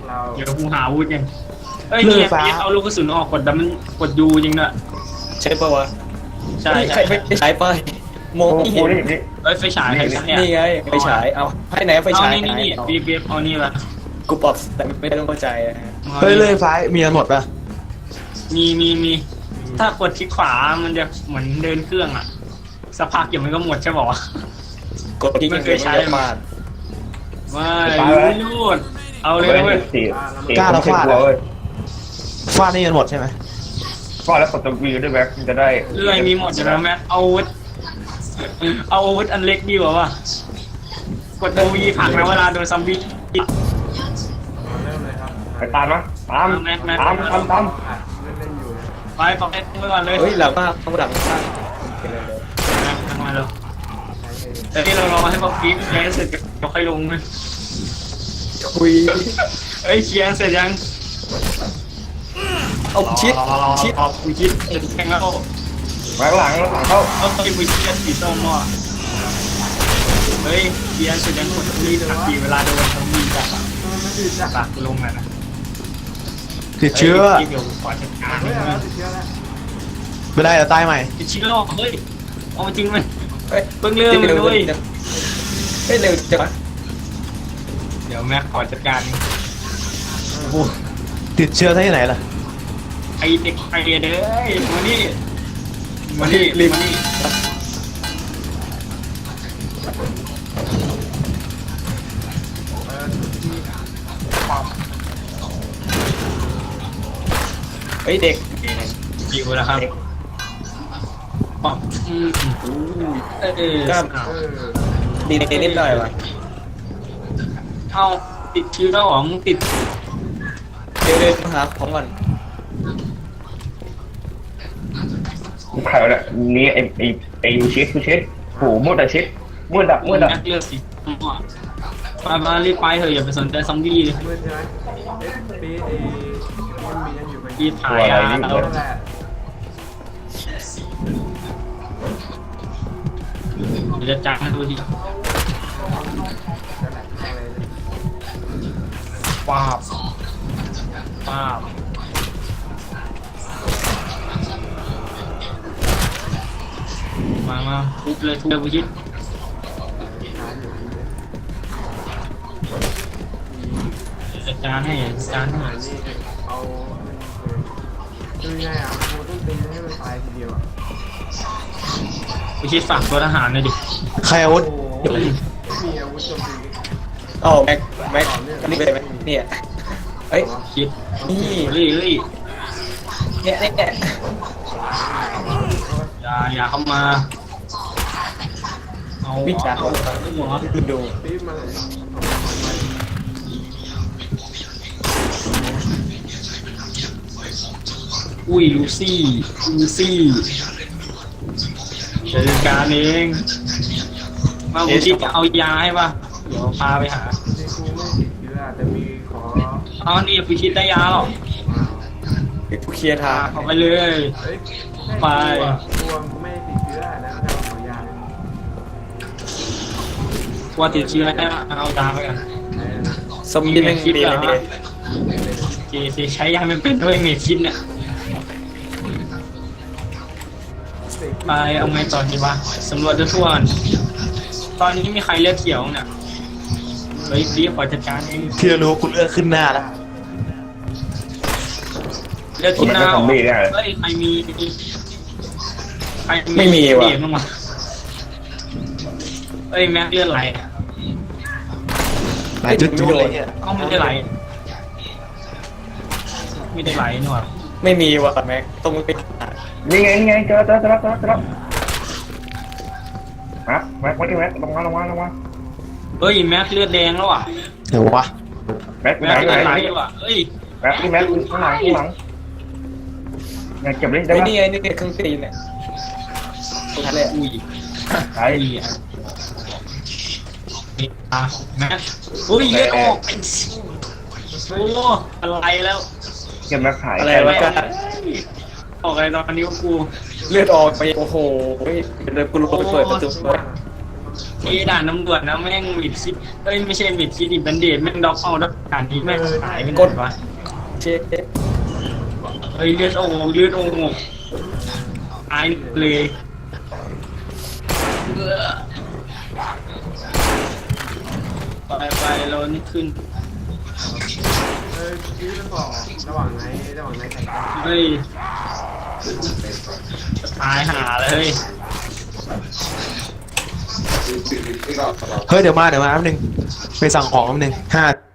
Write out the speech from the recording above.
เราเดี๋ยวกูหาอาวุธกันเอ้ยเนี่ยพี่เอาลูกกระสุนออกกดแต่มันกดยูจริงด้วยใช่ปะวะใช่ใครไม่ใช้ไปมองไม่กูเห็นนี่นี่เอ้ยไฟฉายไฟฉายเนี่ยนี่ไงไฟฉายเอาให้ไหนไฟเอาฉายนี่บีบเอานี่ละกูปรับแต่ไม่ต้องเข้าใจอะเฮ้ยเลื่อยฟ้ามีกันหมดปะมีถ้ากดคลิกขวามันจะเหมือนเดินเครื่องอ่ะสักพักเดี๋ยวมันก็หมดใช่ป่าวะกดที่ไม่เคยใช้มาไม่รูดเอาเลยนะเว้ยสี่คนเว้ยฟาดนี่กันหมดใช่ไหมฟาดแล้วกดตัววีด้วยแบ็คมันจะได้เรื่อยมีหมดอยู่แล้วแม็กเอาอาวุธอันเล็กดีกว่าวะกดตัววีผลักนะเวลาโดนซัมบี้เริ่มเลยครับไปตามนะตามแม็กตามอัดเล่นอยู่นะไปฟังไปก่อนเลยเฮ้ยหลังมากข้างหลังมากทำไมเราใช้เองแต่นี่เรารอให้พอคลิปแคสเสร็จก็ค่อยลงนะคุยเอ้ยเคลียร์เสร็จยังเอาชิดชิดกูคิดแข่งแล้วแบ็คหลังเข้าเอาไปมือเคลียร์สีส้มอ่ะเฮ้ยเคลียร์เสร็จยังกดรีบทันทีเวลาโดนซัมบี้จับไม่ติดจ้ะปากลงนะติดเชื้อเดี๋ยวขอจัดการเฮ้ยติดเชื้อแล้วไม่ได้เดี๋ยวตายใหม่ติดเชื้อเฮ้ยเอาจริงไหมเฮ้ยเพิ่งเริ่มเลยเฮ้ยเร็วจังเดี๋ยวแม็กขอจัดการโอ้ติดเชื้อที่ไหนล่ะไอเด็กไอเด้อมานี่มานี่เฮ้ยเด็กอยู่แล้วครับป๊อปกล้ามเออดีนิดหน่อยวะเอาติดเชื้อของติดเดี๋ยวมาหาของก่อนใครวะเนี่ยนี่ไอ้ชิดกูชิดโหมืดแต่ชิดมืดดับมืดดับแม็กเลือกสิมารีบไปเถอะอย่าไปสนใจซอมบี้เลยมืดใช่ไหมเอ๊ะปีมันมียังอยู่ไหมรีบถ่ายเรานั่นแหละจะจ้างให้ดูทีนั่นแหละอะไรเลยป้าบมาทุบเลยผู้ชิดหาอยู่ดีเลยจัดการให้จัดการให้นี่เอาคือไงอ่ะกูต้องตีให้มันตายทีเดียวอ่ะผู้ชิดฝากตัวทหารหน่อยดิใครอาวุธโอ้ยมีอาวุธโจมตีอ๋อแม็กนี่เป็นไหมเนี่ยเฮ้ยชิดนี่เฮ้ยเนี่ยอย่าเข้ามาเอาวิจารณ์หัวดูปีมาเลยอุ้ยลูซี่จัดการเองมาผู้ชิดเอายาให้ป่ะเดี๋ยวพาไปหาจริงกูไม่ติดเชื้อแต่มีขอเอานี่ผู้ชิดได้ยาหรอผู้เคลียร์ทางเอาไปเลยเฮ้ยไปตัวกูไม่ติดเชื้อนะแต่ขอยาเลยกลัวติดเชื้อได้เอายาไปกันสมยินแม่งดีเลยเนี่ยเจใช้ยาไม่เป็นด้วยเมชินเนี่ยไปเอาไงต่อดีวะสำรวจทั่วๆก่อนตอนนี้มีใครเลือดเขียวเนี่ยเฮ้ยรีบขอจัดการเองที่รู้คุณเลือกขึ้นหน้าแล้วเลือดผมที่เป็นหน้าซอมบี้เนี่ยเฮ้ยใครมีว่ะเดทบ้างวะเอ้ยแม็กเลือดไหลอะหลายจุดๆเลยเนี่ยเอ้าไม่ได้ไหลไม่ได้ไหลนี่หว่าไม่มีว่ะแม็กต้องไปนี่ไงเจอฮะแม็กลงมาเฮ้ยแม็กเลือดแดงแล้วอ่ะเดี๋ยววะแม็กแม็กไหนเลือดไหลไหนแล้วอ่ะเฮ้ยแม็กนี่แม็กข้างหลังอยากเก็บได้ไอ้ไหมนี่ไงนี่เครื่องตีนเนี่ยนั่นแหละอุ้ยใช่อุ้ยอ่ะแม็กอุ้ยเลือดออกโอ้อะไรแล้วเก็บแม็กขายอะไรวะกันออกอะไรตอนนี้วะกูเลือดออกไปโอ้โหเดี๋ยวกูลงไปเปิดประตูด่านตำรวจนะแม่งมิดชิดเอ้ยไม่ใช่มิดชิดดิบันเดดแม่งด็อกเอาด่านนี้แม่งหายไปไหนวะเช็ดเฮ้ยเลือดโอ่งเลือดโอ่งตายเลยไปเรานี่ขึ้นชีวิตมันบอกระหว่างไหนใส่กันเฮ้ยตายหาเลยเฮ้ยเดี๋ยวมาแป๊บนึงไปสั่งของแป๊บนึง5